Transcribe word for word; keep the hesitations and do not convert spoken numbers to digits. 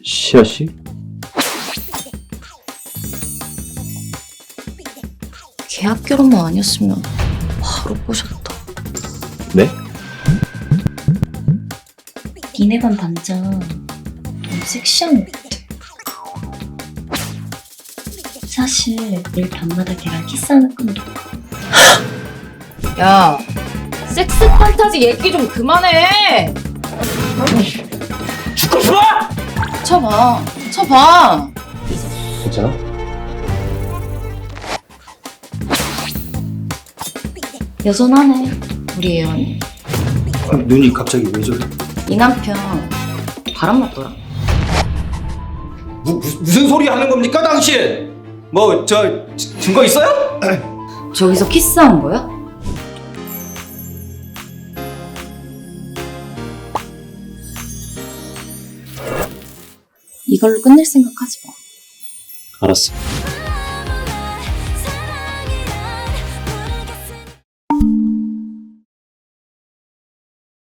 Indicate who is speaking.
Speaker 1: 시아 씨?
Speaker 2: 계약 결혼만 아니었으면 바로 꼬셨다.
Speaker 1: 네?
Speaker 2: 니네 반 반장 너무 섹시한 것 같아. 사실 늘 밤마다 걔랑 키스하는 꿈도.
Speaker 3: 야, 섹스 판타지 얘기 좀 그만해.
Speaker 1: 죽고 싶어!
Speaker 3: 쳐봐, 쳐봐.
Speaker 1: 괜찮아?
Speaker 2: 여전하네 우리 예언이.
Speaker 1: 눈이 갑자기 왜 저래?
Speaker 2: 이 남편 바람 맞더라.
Speaker 1: 무, 무, 무슨 소리 하는 겁니까 당신? 뭐 저 증거 있어요?
Speaker 2: 저기서 키스한 거야? 이걸로 끝낼 생각하지 마.
Speaker 1: 알았어.